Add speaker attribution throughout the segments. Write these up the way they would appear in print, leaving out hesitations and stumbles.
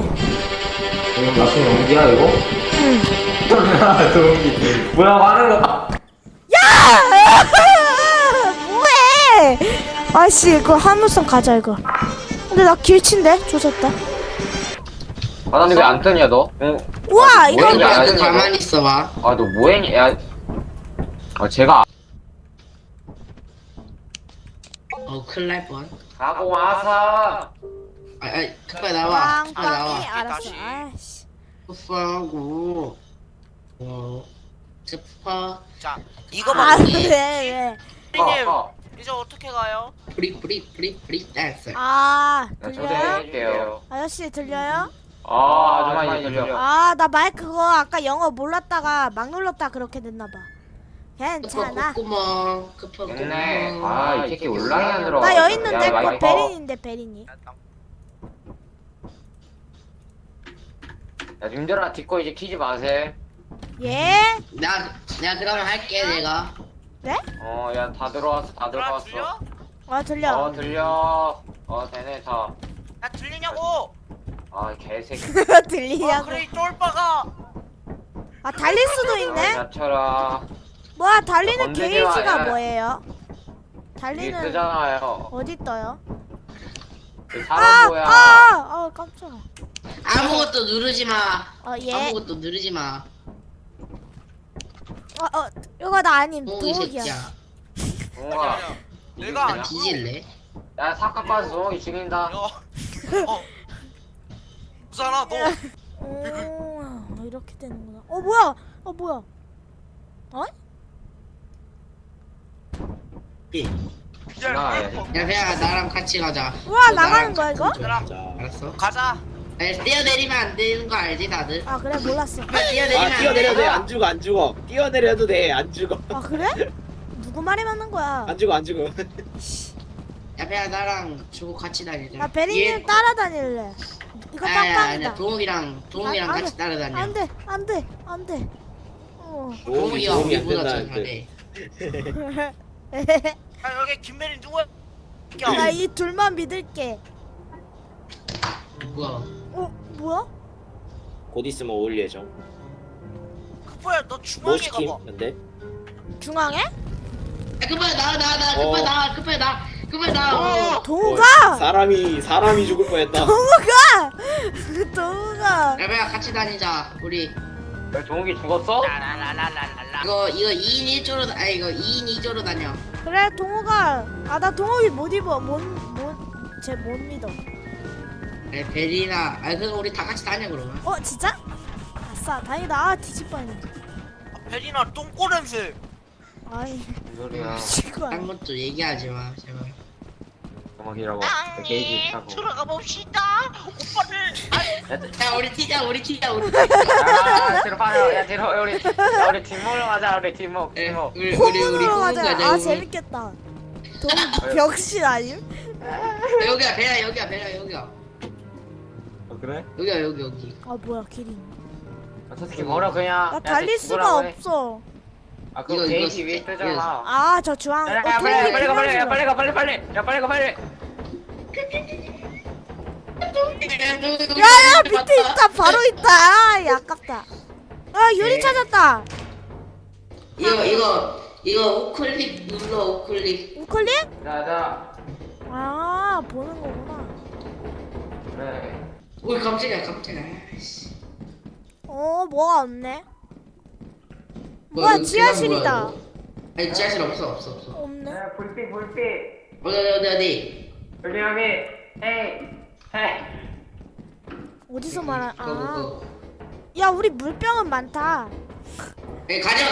Speaker 1: 이거 무슨 연기야 이거?
Speaker 2: 응.
Speaker 1: 동기 뭐라고 하는 거?
Speaker 2: 야! 뭐해? 아씨, 이거 화물선 가자 이거. 근데 나 길친데 조졌다.
Speaker 1: 바다님 왜안 뜨냐 너?
Speaker 2: 우와, 이거
Speaker 1: 뭐했냐?
Speaker 3: 야,
Speaker 1: 안
Speaker 3: 너
Speaker 1: 뜨냐,
Speaker 3: 가만히 있어봐.
Speaker 1: 너 뭐했냐? 야, 제가
Speaker 3: 큰일 날 뻔.
Speaker 1: 가고 와서
Speaker 3: 급하게 나와. 급하게
Speaker 2: 빵빵이
Speaker 3: 나와.
Speaker 2: 알았어.
Speaker 4: 다시.
Speaker 2: 아씨.
Speaker 3: 급하고. 급하.
Speaker 4: 자,
Speaker 2: 아,
Speaker 4: 이거만
Speaker 2: 왜?
Speaker 4: 피디님 이제 어떻게 가요?
Speaker 3: 프리 댄스.
Speaker 2: 아,
Speaker 1: 야,
Speaker 2: 들려요?
Speaker 1: 초대해줄게요.
Speaker 2: 아저씨 들려요?
Speaker 1: 아줌마 이제 들려.
Speaker 2: 아, 나 마이크 그거 아까 영어 몰랐다가 막 눌렀다 그렇게 됐나봐. 괜찮아.
Speaker 3: 구멍. 급하고.
Speaker 1: 됐네. 이 새끼 올라이 안 들어.
Speaker 2: 나 여기 있는데
Speaker 1: 야,
Speaker 2: 그거
Speaker 1: 마이크
Speaker 2: 베린인데 베린이.
Speaker 1: 야, 님들아 뒷거 이제 키지 마세요.
Speaker 2: 예?
Speaker 3: 내가 그러면 할게 내가.
Speaker 2: 네?
Speaker 1: 야, 다 들어왔어, 다
Speaker 4: 들려?
Speaker 1: 들어왔어.
Speaker 4: 들려?
Speaker 2: 들려.
Speaker 1: 들려. 되네, 다.
Speaker 4: 야 들리냐고?
Speaker 1: 개새끼.
Speaker 2: 들리냐고.
Speaker 4: 그래 이 쫄빠가.
Speaker 2: 아, 달릴 수도 있네.
Speaker 1: 야쳐라.
Speaker 2: 뭐야, 달리는
Speaker 1: 건드지
Speaker 2: 게이지가
Speaker 1: 마, 야.
Speaker 2: 뭐예요?
Speaker 1: 이게
Speaker 2: 달리는
Speaker 1: 뜨잖아요.
Speaker 2: 어디 떠요?
Speaker 1: 이 사람 뭐야?
Speaker 2: 깜짝아.
Speaker 3: 아무것도 누르지 마.
Speaker 2: 예.
Speaker 3: 아무것도 누르지 마.
Speaker 2: 이거 나 아님.
Speaker 3: 동욱이
Speaker 2: 도둑이야.
Speaker 3: 새끼야.
Speaker 1: 동호가.
Speaker 4: 내가
Speaker 3: 나
Speaker 4: 아니고.
Speaker 3: 뒤질래?
Speaker 1: 야, 사카 빠져 동호이 죽인다.
Speaker 4: 부산아 너.
Speaker 2: 오, 이렇게 되는구나. 뭐야? 뭐야?
Speaker 1: 나가야 돼.
Speaker 3: 야 그냥 나랑 같이 가자.
Speaker 2: 우와,
Speaker 3: 너
Speaker 2: 나가는
Speaker 3: 나랑
Speaker 2: 거야, 이거?
Speaker 3: 같이 좀. 알았어?
Speaker 4: 가자.
Speaker 3: 뛰어내리면 안 되는 거 알지 다들?
Speaker 2: 아, 그래, 몰랐어.
Speaker 3: 뛰어내리면 안
Speaker 5: 뛰어내려도 돼.
Speaker 3: 돼.
Speaker 5: 안 죽어, 안 죽어. 뛰어내려도 돼. 안 죽어.
Speaker 2: 아, 그래? 누구 말이 맞는 거야?
Speaker 5: 안 죽어, 안 죽어.
Speaker 3: 야 그냥 나랑 주고 같이 다니자.
Speaker 2: 나 베리님 따라다닐래. 이거 빵빵이다.
Speaker 3: 아니야 동욱이랑
Speaker 2: 아,
Speaker 3: 같이 따라다녀.
Speaker 2: 안 돼, 안 돼, 안 돼.
Speaker 3: 동욱이가
Speaker 5: 도움이 안
Speaker 3: 우리보다 더
Speaker 5: 된다는데.
Speaker 3: 잘해.
Speaker 4: 야 여기 김메린 누구야?
Speaker 2: 나 이 둘만 믿을게.
Speaker 3: 뭐야?
Speaker 2: 뭐야?
Speaker 5: 곧 있으면 올 예정.
Speaker 4: 급보야 너
Speaker 5: 뭐
Speaker 4: 중앙에
Speaker 5: 시킴?
Speaker 4: 가봐.
Speaker 5: 근데?
Speaker 2: 중앙에?
Speaker 3: 야 급하게 나와 급하게 나와.
Speaker 2: 동우가!
Speaker 5: 사람이 죽을 뻔했다.
Speaker 2: 동우가!
Speaker 3: 야 그냥 같이 다니자 우리.
Speaker 1: 야, 동욱이 죽었어?
Speaker 4: 라라라라라라.
Speaker 3: 이거 2인 1조로 이거 2인 2조로 다녀.
Speaker 2: 그래, 동우가. 나 동욱이 못 입어. 쟤 못 믿어.
Speaker 3: 그래 베리나. 그럼 우리 다 같이 다녀 그러면.
Speaker 2: 진짜? 아싸, 다행이다. 뒤질 뻔했네.
Speaker 4: 베리나 똥꼬 냄새.
Speaker 2: 아이,
Speaker 1: 무슨 소리야?
Speaker 2: 미치고
Speaker 3: 딴 것도 얘기하지 마 제발.
Speaker 1: 동욱이라고. 게이지 타고.
Speaker 4: 들어가 봅시다. 오빠를.
Speaker 3: 야 우리 튀자.
Speaker 1: 야, 뒤로 빠져. 야, 우리 뒷목으로 가자. 우리 뒷목.
Speaker 3: 우리
Speaker 2: 호문으로
Speaker 3: 호문
Speaker 2: 가자. 재밌겠다. 동우 병신 아님?
Speaker 3: 여기야 배야.
Speaker 1: 그래?
Speaker 3: 여기.
Speaker 2: 뭐야, 길이.
Speaker 1: 저 새끼 뭐라 그냥.
Speaker 2: 나
Speaker 1: 야,
Speaker 2: 달릴
Speaker 1: 쟤
Speaker 2: 수가
Speaker 1: 죽으라고 해.
Speaker 2: 없어.
Speaker 1: 그거
Speaker 3: 이거,
Speaker 1: 게이지
Speaker 3: 이거,
Speaker 1: 위에
Speaker 3: 이거.
Speaker 1: 뜨잖아.
Speaker 2: 저 중앙.
Speaker 1: 야,
Speaker 2: 동욱이
Speaker 1: 빨리 가.
Speaker 2: 중앙으로.
Speaker 1: 야, 빨리 가.
Speaker 2: 야야, 밑에 있다. 바로 있다. 야, 아깝다. 유리
Speaker 3: 네.
Speaker 2: 찾았다.
Speaker 3: 이거 우클릭 눌러 우클릭.
Speaker 2: 우클릭?
Speaker 1: 자.
Speaker 2: 보는 거구나.
Speaker 1: 그래.
Speaker 3: 오 깜짝이야. 씨.
Speaker 2: 뭐가 없네.
Speaker 3: 뭐야,
Speaker 2: 뭐야, 지하실이다.
Speaker 3: 뭐야, 이거? 아니 지하실 없어.
Speaker 2: 없네.
Speaker 1: 불빛.
Speaker 3: 어디.
Speaker 1: 불빛함이. 헤이.
Speaker 2: 어디서 말하?
Speaker 3: 그거.
Speaker 2: 야, 우리 물병은 많다.
Speaker 3: 가자.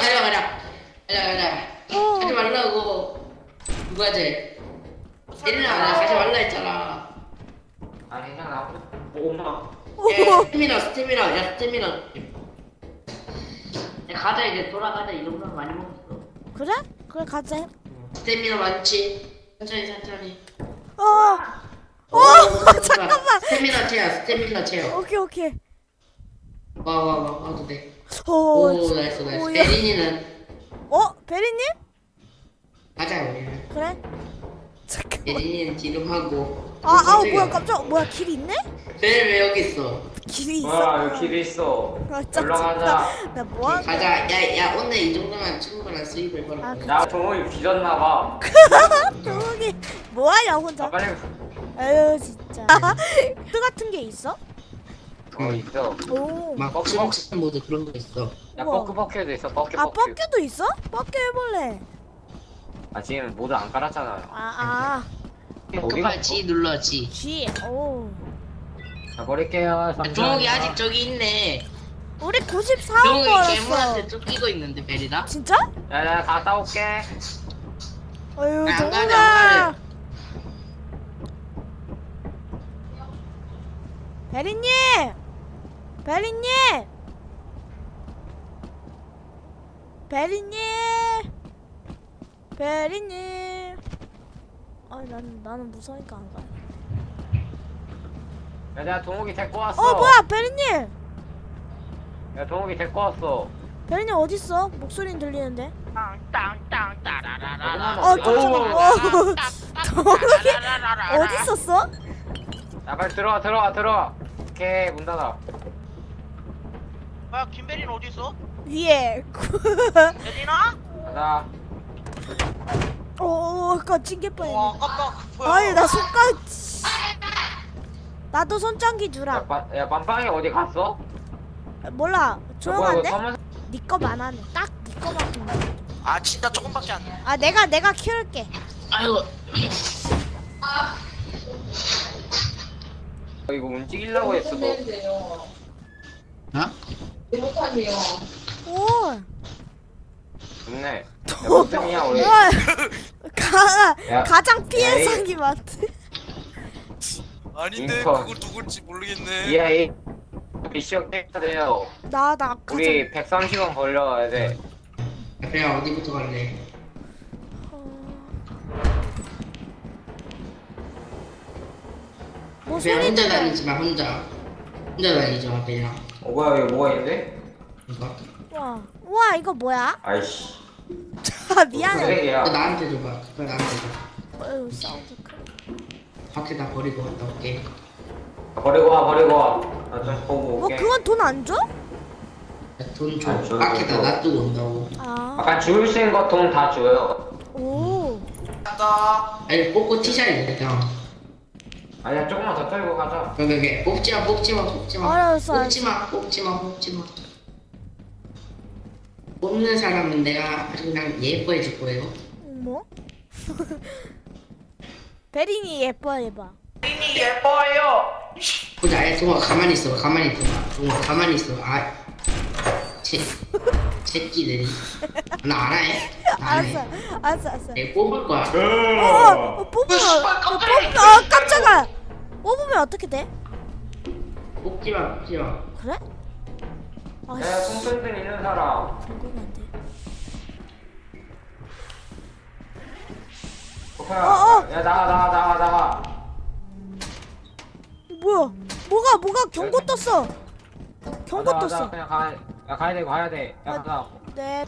Speaker 3: 가지 말라고. 누가 쟤? 얘들아 나 가지 말라 했잖아.
Speaker 1: 괜찮아. 엄마.
Speaker 3: 스태미나. 야 가자 이제 돌아가자. 이 정도면 많이 먹었어.
Speaker 2: 그래? 그래, 가자.
Speaker 3: 스태미나 많지. 천천히.
Speaker 2: 잠깐만.
Speaker 3: 스태미나 채워.
Speaker 2: 오케이.
Speaker 3: 와도 돼.
Speaker 2: 오,
Speaker 3: 나이스.
Speaker 2: 야.
Speaker 3: 베린이는
Speaker 2: 베리님?
Speaker 3: 가자 우리.
Speaker 2: 그래. 잠깐만.
Speaker 3: 예린이는 뒤로 하고.
Speaker 2: 뭐야 깜짝 뭐야 길이 있네?
Speaker 3: 베리 왜 여기 있어?
Speaker 2: 길이 있어.
Speaker 1: 와 여기 길이 있어. 올라가자.
Speaker 2: 나 뭐하는 거야?
Speaker 3: 가자. 야 오늘 이 정도면 충분한 수입을 벌어.
Speaker 2: 아, 그-
Speaker 1: 야 동욱이 빚었나봐.
Speaker 2: 동욱이 뭐하냐 혼자?
Speaker 1: 빨리.
Speaker 2: 에휴 진짜. 또 같은 게 있어?
Speaker 1: 있어.
Speaker 2: 오.
Speaker 3: 막 럭션 모드 그런 거 있어.
Speaker 1: 야
Speaker 2: 우와.
Speaker 1: 뻐큐도 있어. 뻐큐.
Speaker 2: 뻑큐도 있어? 뻑큐 해볼래.
Speaker 1: 아 지금 모두 안 깔았잖아. 어디 갔어?
Speaker 3: G 눌러 G.
Speaker 2: G. 오.
Speaker 1: 자 버릴게요.
Speaker 3: 종욱이 아직 저기 있네.
Speaker 2: 우리 94원
Speaker 3: 종욱이
Speaker 2: 벌었어.
Speaker 3: 괴물한테 쫓기고 있는데 베리나?
Speaker 2: 진짜?
Speaker 1: 야야 갔다 올게.
Speaker 2: 어휴
Speaker 3: 안 가네,
Speaker 2: 동욱아.
Speaker 3: 안
Speaker 2: 베리님. 베리님. 베리님. 베리님. 나는 무서우니까 안 가.
Speaker 1: 야 내가 동욱이 데리고 왔어.
Speaker 2: 뭐야 베리님.
Speaker 1: 야 동욱이 데리고 왔어.
Speaker 2: 베리님 어딨어? 목소리는 들리는데.
Speaker 4: 땅땅땅 따라라라라.
Speaker 2: 깜짝이야. 동욱이 어디 있었어?
Speaker 1: 야 빨리 들어와. 오케이 문 닫아.
Speaker 4: 야 김배린 어디 있어?
Speaker 2: 위에.
Speaker 4: 배린아?
Speaker 1: 가자.
Speaker 2: 아까 찡길
Speaker 4: 와
Speaker 2: 뻔했네.
Speaker 4: 아깝다. 뭐야?
Speaker 2: 아니 나 손가락. 나도 손전기 주라.
Speaker 1: 야 빰빵이 어디 갔어?
Speaker 2: 몰라. 조용한데?
Speaker 1: 검은...
Speaker 2: 네 거만 하네. 딱 네 거만 보네.
Speaker 4: 아 진짜 조금밖에 안 돼.
Speaker 2: 내가 키울게.
Speaker 3: 아이고.
Speaker 1: 이거 움직이려고 했어 너.
Speaker 3: 어?
Speaker 2: 오.
Speaker 1: 좋네. 야 무슨 일이야 우리.
Speaker 2: 우와.
Speaker 1: 야.
Speaker 2: 가장 피해상이 많대.
Speaker 4: 아닌데
Speaker 1: 인턴.
Speaker 4: 그거 누굴지 모르겠네.
Speaker 1: EA 미션 해야 돼요.
Speaker 2: 나 가장.
Speaker 1: 우리 130원 벌려야 돼.
Speaker 3: 그냥 어디부터 갈래?
Speaker 2: 뭐
Speaker 3: 그냥
Speaker 2: 소리
Speaker 3: 혼자
Speaker 2: 들려?
Speaker 3: 다니지 마 혼자 다니지 마 그냥.
Speaker 1: 뭐야 이거 뭐가 있는데?
Speaker 3: 이거.
Speaker 2: 우와 이거 뭐야?
Speaker 1: 아이씨.
Speaker 2: 미안해.
Speaker 1: 쓰레기야.
Speaker 3: 그거 나한테 줘봐. 그거 나한테 줘.
Speaker 2: 어휴 사운드 크.
Speaker 3: 밖에다 버리고 갔다 올게.
Speaker 1: 버리고 와. 나 좀 보고
Speaker 2: 뭐
Speaker 1: 올게.
Speaker 2: 그건 돈 안 줘?
Speaker 3: 돈 줘.
Speaker 1: 아, 저기
Speaker 3: 밖에다
Speaker 1: 줘.
Speaker 3: 놔두고 온다고.
Speaker 1: 아까 주울 수 있는 거 돈 다 줘요.
Speaker 2: 오.
Speaker 4: 간다.
Speaker 3: 아니 뽑고 튀자야 그냥.
Speaker 1: 아니야 조금만 더 떨고 가자.
Speaker 3: 그게 뽑지 마.
Speaker 2: 알았어.
Speaker 3: 뽑지 마. 뽑는 사람은 내가 그냥 예뻐해 줄 거예요.
Speaker 2: 뭐? 베린이 예뻐해봐.
Speaker 4: 배린이 예뻐요.
Speaker 3: 보자. 야, 동아 가만히 있어. 동아 가만히 있어. 새끼들이. 나 안 해.
Speaker 2: 알았어.
Speaker 3: 내가 뽑을 거야.
Speaker 2: 뽑으면 깜짝아. 뽑으면 어떻게 돼?
Speaker 3: 뽑지 마.
Speaker 2: 그래?
Speaker 1: 야 손전등 있는 사람.
Speaker 2: 궁금한데.
Speaker 1: 야 나가.
Speaker 2: 뭐야? 뭐가 경고 떴어? 경고
Speaker 1: 가자,
Speaker 2: 떴어.
Speaker 1: 그냥 가야 돼. 야 가자.
Speaker 2: 네.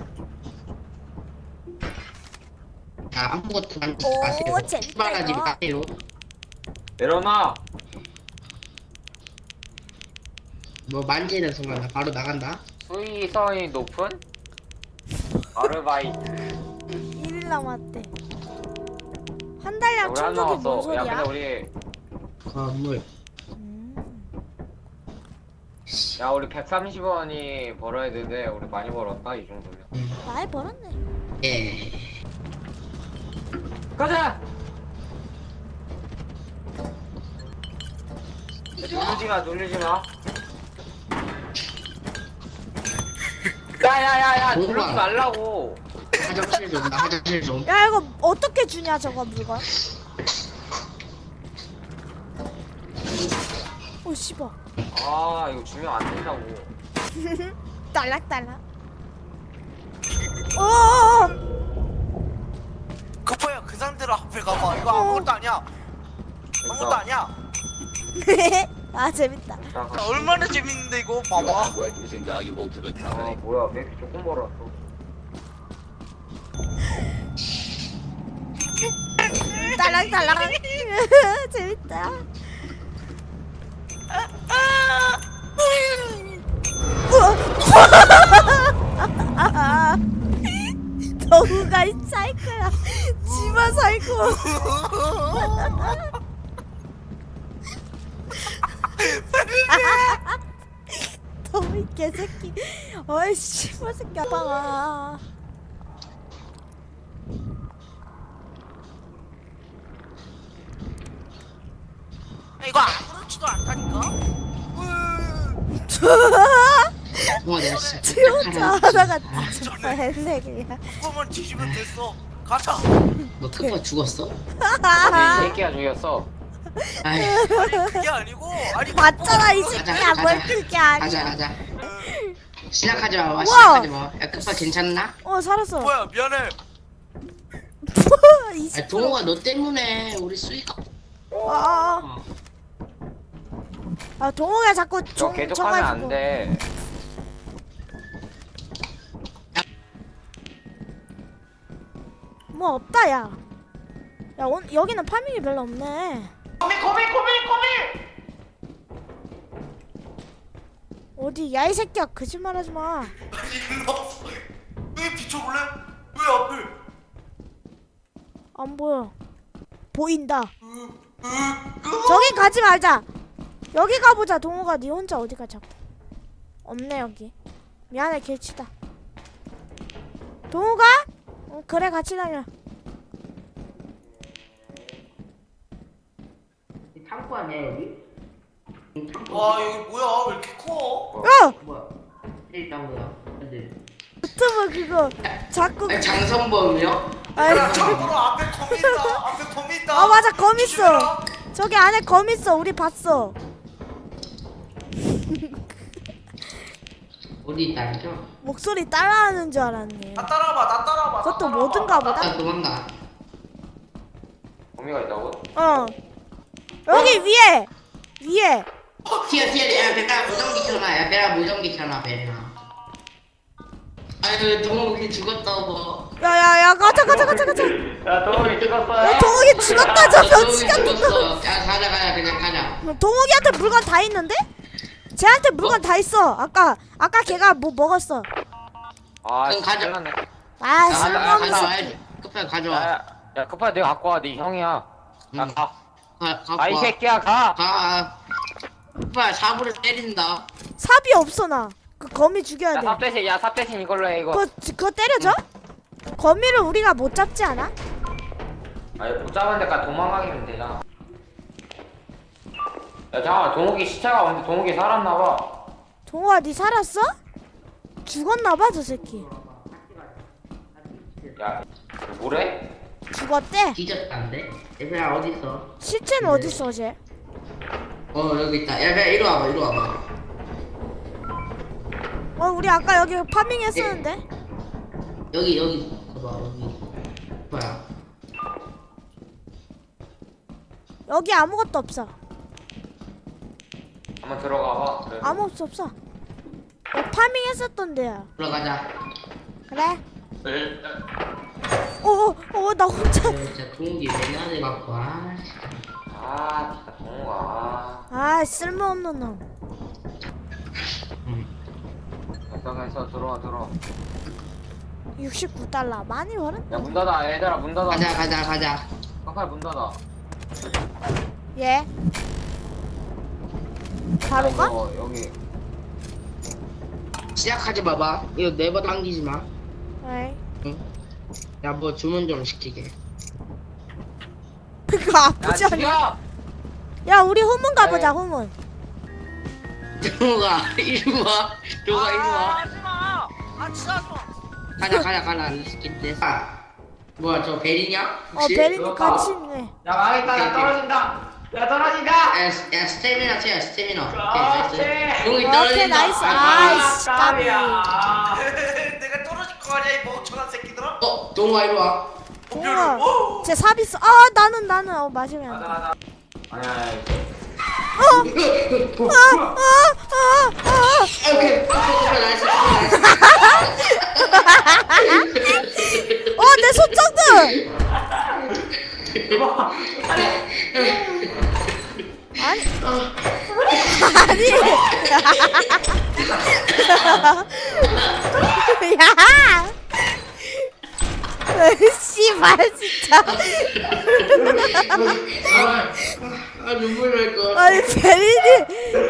Speaker 3: 아무것도 만지지
Speaker 2: 오,
Speaker 3: 마세요.
Speaker 2: 재밌다,
Speaker 3: 출발하지
Speaker 2: 이거.
Speaker 3: 마세요.
Speaker 1: 내려놔.
Speaker 3: 뭐 만지는 순간 나 바로 나간다.
Speaker 1: 수위성이 높은 아르바이트.
Speaker 2: 1일 남았대. 한 달량
Speaker 1: 우리 한
Speaker 2: 충족이 뭔
Speaker 1: 남았어. 야
Speaker 2: 소리야?
Speaker 1: 근데 우리
Speaker 3: 건물.
Speaker 1: 야 우리 130원이 벌어야 되는데 우리 많이 벌었다 이 정도면.
Speaker 2: 많이 벌었네.
Speaker 3: 예.
Speaker 1: 가자. 놀리지 마. 야야야야
Speaker 3: 뭐가?
Speaker 1: 놀리지 말라고.
Speaker 3: 화장실 좀. 나 화장실 좀.
Speaker 2: 야 이거 어떻게 주냐 저거 물건? 오 씨발.
Speaker 1: 아 이거 주면 안 된다고.
Speaker 2: 딸락딸락. 어어어.
Speaker 4: 급해요. 그 상태로 앞에 가봐. 이거 아무것도 아니야. 아무것도 아니야.
Speaker 2: 아 재밌다.
Speaker 1: 자, 가.
Speaker 4: 얼마나 재밌는데 이거 봐봐.
Speaker 1: 아 뭐야 왜 이렇게 조금 벌었어?
Speaker 2: 딸랑딸랑. 재밌다. 너무가 이 사이코야. 지마 사이코. 너무 이 개새끼. 어이 씨발 새끼 아빠가.
Speaker 4: 이거 아무렇지도 않다니까.
Speaker 3: 동아 내가 진짜
Speaker 2: 지 혼자 하다가
Speaker 3: 아,
Speaker 2: 진짜 했네 그냥.
Speaker 4: 그거만 뒤지면 됐어. 가자.
Speaker 3: 너 크파 죽었어?
Speaker 1: 이 새끼가 죽였어.
Speaker 3: 아이
Speaker 4: 아니 그게 아니고. 아니
Speaker 2: 맞잖아 이
Speaker 4: 그거
Speaker 2: 새끼야. 뭘 그렇게 하니.
Speaker 3: 가자 시작하지 마
Speaker 2: 우와.
Speaker 3: 시작하지 마야 크파 괜찮나?
Speaker 2: 살았어.
Speaker 4: 뭐야 미안해.
Speaker 2: 이
Speaker 3: 아 동호가 너 때문에 우리 수익
Speaker 2: 동호가 자꾸
Speaker 1: 저 계속하면 안 돼.
Speaker 2: 뭐 없다 야. 야 여기는 파밍이 별로 없네.
Speaker 1: 코미.
Speaker 2: 어디 야 이 새끼야 거짓말하지 마.
Speaker 4: 아니 일로 왔어. 여기 비춰볼래? 왜 앞을?
Speaker 2: 안 보여. 보인다. 저기 가지 말자. 여기 가보자. 동호가 네 혼자 어디 가자고. 없네 여기. 미안해 길치다. 동호가? 그래 같이 다녀.
Speaker 3: 창고 아니야 여기?
Speaker 4: 와 여기 뭐야? 왜 이렇게 커?
Speaker 2: 야!
Speaker 3: 뭐야 일단 뭐야 근데
Speaker 2: 유튜브 그거 자꾸
Speaker 3: 장성범이요?
Speaker 4: 야 참고로 앞에 거미 있다. 앞에 거미 있다.
Speaker 2: 맞아 검 있어.
Speaker 4: 조심해라.
Speaker 2: 저기 안에 검 있어. 우리 봤어.
Speaker 3: 어디 있다니까?
Speaker 2: 목소리 따라하는 줄 알았네.
Speaker 4: 나 따라와봐. 나 따라와봐. 나
Speaker 2: 그것도
Speaker 4: 따라와봐.
Speaker 2: 뭐든가 보다.
Speaker 3: 나 도망가
Speaker 1: 거미가 있다고?
Speaker 2: 여기 위에
Speaker 3: 튀어 야 배가 무전기 켜놔 야 배가 무전기 켜놔 배가 아유 동욱이 죽었다고
Speaker 2: 야야야 가자.
Speaker 1: 야 동욱이 죽었어.
Speaker 2: 야 동욱이 죽었다. 저 병치 같은 거.
Speaker 3: 죽었어 야 가자 그냥 가자
Speaker 2: 동욱이한테 물건 다 있는데? 쟤한테 물건 다 있어. 아까 걔가 뭐 먹었어.
Speaker 1: 아
Speaker 3: 그럼 가자.
Speaker 1: 큰일 났네.
Speaker 2: 아
Speaker 3: 가져와
Speaker 2: 쓸모없는 새끼.
Speaker 3: 가져와 급하게 가져와
Speaker 1: 야 급하게 내가 갖고 와. 네 형이야. 야
Speaker 3: 응.
Speaker 1: 가.
Speaker 3: 갖고
Speaker 1: 이
Speaker 3: 와.
Speaker 1: 새끼야 가.
Speaker 3: 급하게 사부를 때린다
Speaker 2: 삽이 없어 나. 그 거미 죽여야 돼.
Speaker 1: 삽 대신 이걸로 해 이거.
Speaker 2: 그거 때려줘? 거미를 우리가 못 잡지 않아?
Speaker 1: 아니 못 잡은 데까지 도망가기면 되잖아. 야 잠깐만 동욱이 시체가 왔는데 동욱이 살았나봐.
Speaker 2: 동호아 니 살았어? 죽었나봐 저 새끼.
Speaker 1: 야 뭐래?
Speaker 2: 죽었대?
Speaker 3: 뒤졌다는데? 얘들아 어딨어?
Speaker 2: 시체는 어딨어 쟤?
Speaker 3: 여기 있다 야 배야 이리 와봐
Speaker 2: 우리 아까 여기 파밍했었는데?
Speaker 3: 여기 봐봐 여기 뭐야
Speaker 2: 여기 아무것도 없어.
Speaker 1: 한번 들어가봐. 그래.
Speaker 2: 아무것도 없어. 야, 파밍했었던 데야.
Speaker 3: 들어가자
Speaker 2: 그래?
Speaker 1: 네.
Speaker 2: 나 혼자.
Speaker 3: 진짜 동욱이 맨날 갖고 와
Speaker 1: 아 진짜 동욱아.
Speaker 2: 아 쓸모없는 놈.
Speaker 1: 적당해서 들어와.
Speaker 2: 69달러 많이 벌었네.
Speaker 1: 야 문 닫아 얘들아 문 닫아.
Speaker 3: 가자
Speaker 1: 깜빡이 문 닫아.
Speaker 2: 예. 바로 가?
Speaker 1: 이거 여기.
Speaker 3: 시작하지 마봐 이거 네버 당기지 마
Speaker 2: 에이.
Speaker 3: 야 뭐 주문 좀 시키게
Speaker 2: 그거
Speaker 1: 야
Speaker 2: 아프지 않냐?
Speaker 1: 죽여.
Speaker 2: 야 우리 후문 가보자
Speaker 1: 네.
Speaker 2: 후문.
Speaker 3: 동욱아 이리 와 동욱아 이리 와
Speaker 4: 하지마. 아 진짜 하지마.
Speaker 3: 가자 안 시킨대 뭐야 저 베리냐? 혹시?
Speaker 2: 베린이
Speaker 1: 그럴까?
Speaker 2: 같이 있네.
Speaker 1: 야 망했다 나 떨어진다. 야 떨어진다.
Speaker 3: 야 스태미나 채야 스태미나
Speaker 1: 그렇지.
Speaker 3: 동욱이
Speaker 2: 오케이,
Speaker 3: 떨어진다
Speaker 2: 나이스. 아이씨,
Speaker 1: 까비야.
Speaker 4: 내가 떨어질 거 아니야 이 멍청한 새끼들아.
Speaker 3: 동욱아 이리 와
Speaker 2: 동호아.
Speaker 4: 오.
Speaker 2: 쟤 삽 있어. 나는 맞으면 안 돼.
Speaker 1: 가자. 아니야.
Speaker 3: 오케이 나이스
Speaker 2: 내 손전등. 야! 씨발 진짜.
Speaker 3: 눈물 날 거.
Speaker 2: 아니 베리니.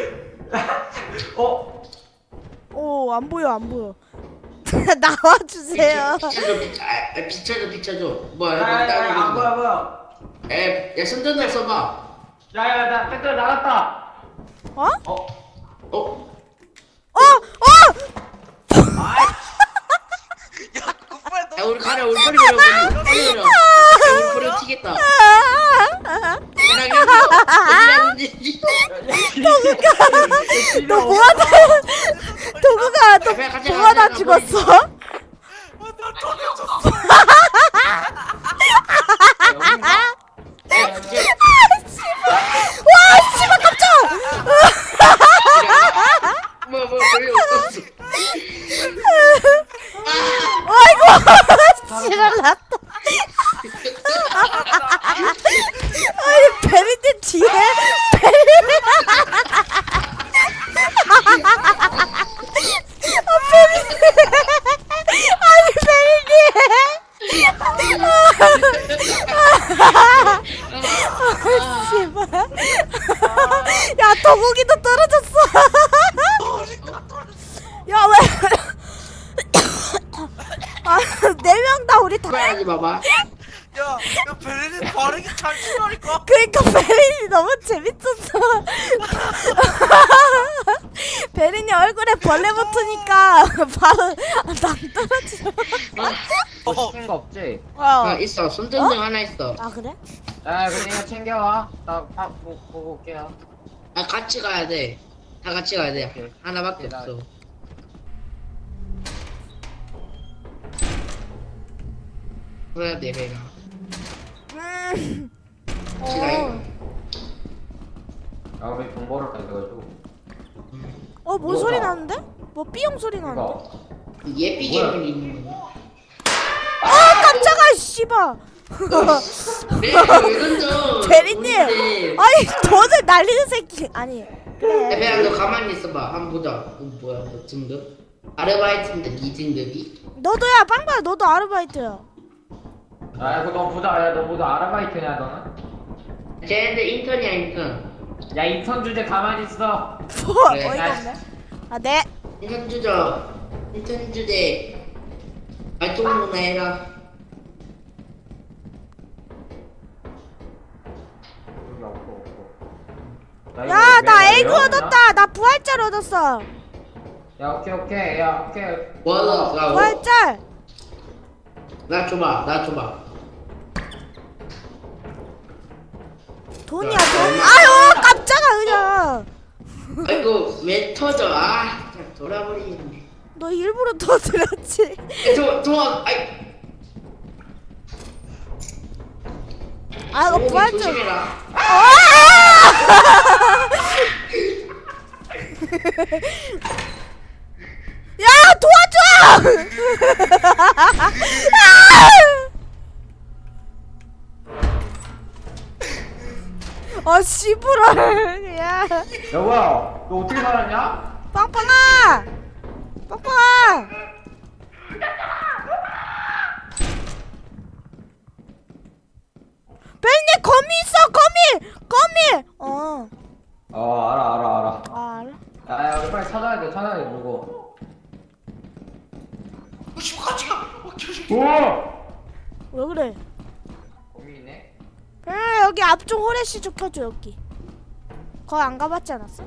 Speaker 1: 어?
Speaker 2: 안 보여 안 보여. 나와 주세요.
Speaker 3: 비춰줘. 뭐야?
Speaker 1: 야야야 뭐야 뭐야.
Speaker 3: 야 손전등 써봐.
Speaker 1: 야야 나 배터리 나갔다.
Speaker 2: 어?
Speaker 1: 어?
Speaker 3: 어?
Speaker 4: 야 그만
Speaker 3: 야 우리 가려 우리 빨리 가려. 우리 버려 튀겠다.
Speaker 2: 너 뭐하다? 도구가 너
Speaker 3: 그냥 같이
Speaker 2: 뭐하다
Speaker 3: 가자,
Speaker 2: 죽었어? 와 씨발 깜짝!
Speaker 3: 뭐 별일 없었어.
Speaker 2: 아이고 지랄났다. 아니 베리님 뒤에 야 도구기도 떨어졌어. 야 왜? 네 명 다 우리 다.
Speaker 3: 하지 마봐.
Speaker 4: 야 베리는 바르게 잘 치라니까.
Speaker 2: 그러니까 베린이 너무 재밌었어. 베린이 얼굴에 벌레 붙으니까 바로 낭 떨어지려.
Speaker 1: 뭐 시킨 거 없지?
Speaker 3: 있어. 손전등 하나 있어.
Speaker 2: 아 그래?
Speaker 1: 야 그냥 이거 챙겨와. 나 보고 올게요.
Speaker 3: 아 같이 가야 돼. 다 같이 가야 돼.
Speaker 1: 오케이.
Speaker 3: 하나밖에
Speaker 1: 오케이,
Speaker 3: 없어. 그래야 돼 배가. 같이 가요.
Speaker 1: 야 우리 돈 벌었다 이거.
Speaker 2: 뭔 소리 나는데? 뭐 삐용 소리 나는데?
Speaker 1: 이거.
Speaker 3: 예삐
Speaker 1: 뭐야?
Speaker 3: 괴물이 있는 거.
Speaker 2: 아 깜짝아 씨발.
Speaker 3: 왜 던져?
Speaker 2: 베리님, 아니 돈을 날리는 새끼. 아니
Speaker 3: 야
Speaker 2: 그래.
Speaker 3: 배야 너 가만히 있어봐. 한번 보자. 뭐야 너 등급? 아르바이트인데 네 등급이?
Speaker 2: 너도야 빵빵 너도 아르바이트야.
Speaker 1: 야 이거 너 보자. 야너 보자. 아르바이트냐 너는?
Speaker 3: 쟤네들 인턴이야 인턴.
Speaker 1: 야 인턴 주제 가만히 있어.
Speaker 2: 뭐
Speaker 3: 그래,
Speaker 2: 어이가 없네. 아 네.
Speaker 3: 인턴 주저. 인턴 주제. 발동무나 해라.
Speaker 1: 여기 없고.
Speaker 2: 야 나 에그 얻었다. 나 부활짤 얻었어.
Speaker 1: 야 오케이. 야 오케이.
Speaker 3: 뭐 하려고?
Speaker 2: 부활짤.
Speaker 3: 나 줘봐.
Speaker 2: 돈이야
Speaker 3: 야,
Speaker 2: 돈.
Speaker 3: 얼마-
Speaker 2: 아유 깜짝아 그냥.
Speaker 3: 아이고 왜 터져? 아 진짜 돌아버리겠네.
Speaker 2: 너 일부러 터뜨렸지.
Speaker 3: 아이.
Speaker 2: 아 이거
Speaker 3: 오기
Speaker 2: 부활짤.
Speaker 3: 조심해라.
Speaker 2: 야 도와줘! 아 씨부럴. 야
Speaker 1: 야 뭐야? 너 어떻게 살았냐?
Speaker 2: 빵빵아 빵빵아. 벨님 거미 있어 거미.
Speaker 1: 알아.
Speaker 2: 아 알아.
Speaker 1: 야 우리 빨리 찾아야 돼 누구?
Speaker 4: 같이 가.
Speaker 1: 오!
Speaker 2: 왜 그래?
Speaker 1: 고민이네.
Speaker 2: 여기 앞쪽 호레시 좀 켜줘 여기. 거기 안 가봤지 않았어?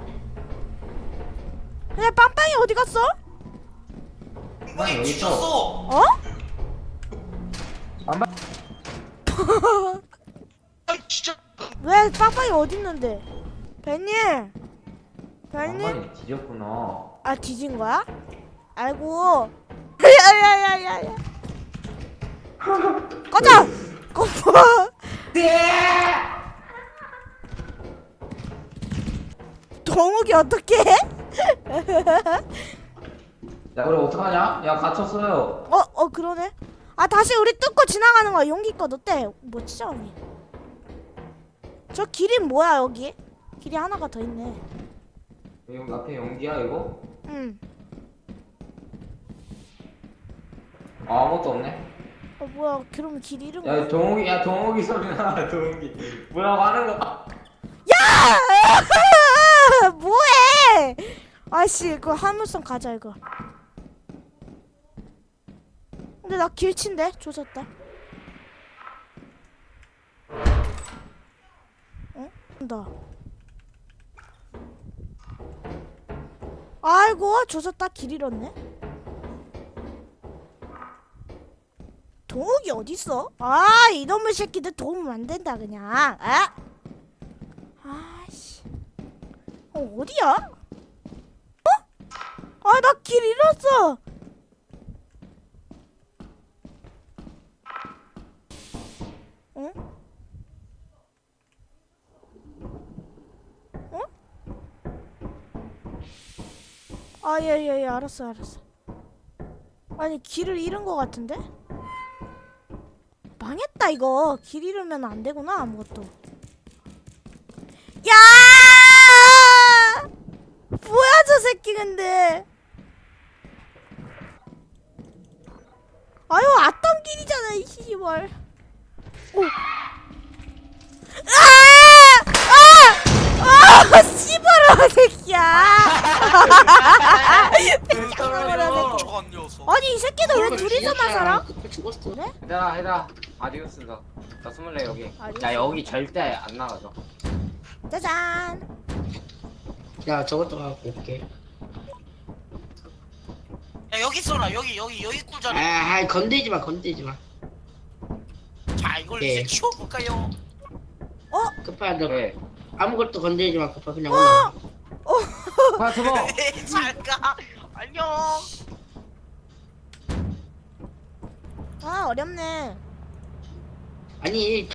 Speaker 2: 근데 빵빵이 어디 갔어?
Speaker 4: 빵빵이
Speaker 1: 여기 있어.
Speaker 4: 뒤졌어.
Speaker 2: 어?
Speaker 1: 안 봐.
Speaker 4: 아 진짜.
Speaker 2: 왜 빵빵이 어디 있는데? 벤님
Speaker 1: 많이 뒤졌구나.
Speaker 2: 아 뒤진 거야? 아이고 야야야야야 꺼져! 꺼져! 동욱이 어떡해?
Speaker 1: 야 우리 어떡하냐? 야 갇혔어요.
Speaker 2: 그러네. 아 다시 우리 뚫고 지나가는 거야. 용기껏 어때? 멋지죠 언니? 저 길이 뭐야 여기? 길이 하나가 더 있네.
Speaker 1: 여기 앞에 연기야 이거?
Speaker 2: 응.
Speaker 1: 아무것도 없네.
Speaker 2: 뭐야? 그러면 길 잃은 거야?
Speaker 1: 야 동욱이 소리 나. 동욱이 뭐라고 하는 거?
Speaker 2: 뭐해? 아씨, 그거 화물선 가자 이거. 근데 나 길친데 조졌다. 응? 나. 아이고 조졌다. 길 잃었네. 동욱이 어딨어? 아 이놈의 새끼들 도움 안 된다 그냥. 아? 아씨. 어디야? 어? 아 나 길 잃었어. 응? 어? 아, 예, 알았어. 아니, 길을 잃은 것 같은데? 망했다, 이거. 길 잃으면 안 되구나, 아무것도. 야! 뭐야, 저 새끼, 근데. 아유, 앞담 길이잖아, 이 씨발. 오. 씨발아 새끼야.
Speaker 4: 떨어져 저건 녀석.
Speaker 2: 아니 이 새끼들 왜 둘이서만 살아?
Speaker 3: 급해 죽었어.
Speaker 2: 그래?
Speaker 1: 얘들아 아디오스 나 24 여기.
Speaker 2: 아디오스.
Speaker 1: 야 여기 절대 안 나가죠.
Speaker 2: 짜잔.
Speaker 3: 야 저것도 갖고 올게.
Speaker 4: 야 여기 있어라. 여기 꿀자리.
Speaker 3: 아 건들지 마.
Speaker 4: 자 이걸
Speaker 3: 예.
Speaker 4: 이제 키워볼까요?
Speaker 3: 급하 너
Speaker 1: 왜?
Speaker 3: 아무것도 건들지 마. 급하 그냥 올라.
Speaker 1: 아 저거.
Speaker 4: 잘가. 안녕.
Speaker 2: 아 어렵네.
Speaker 3: 아니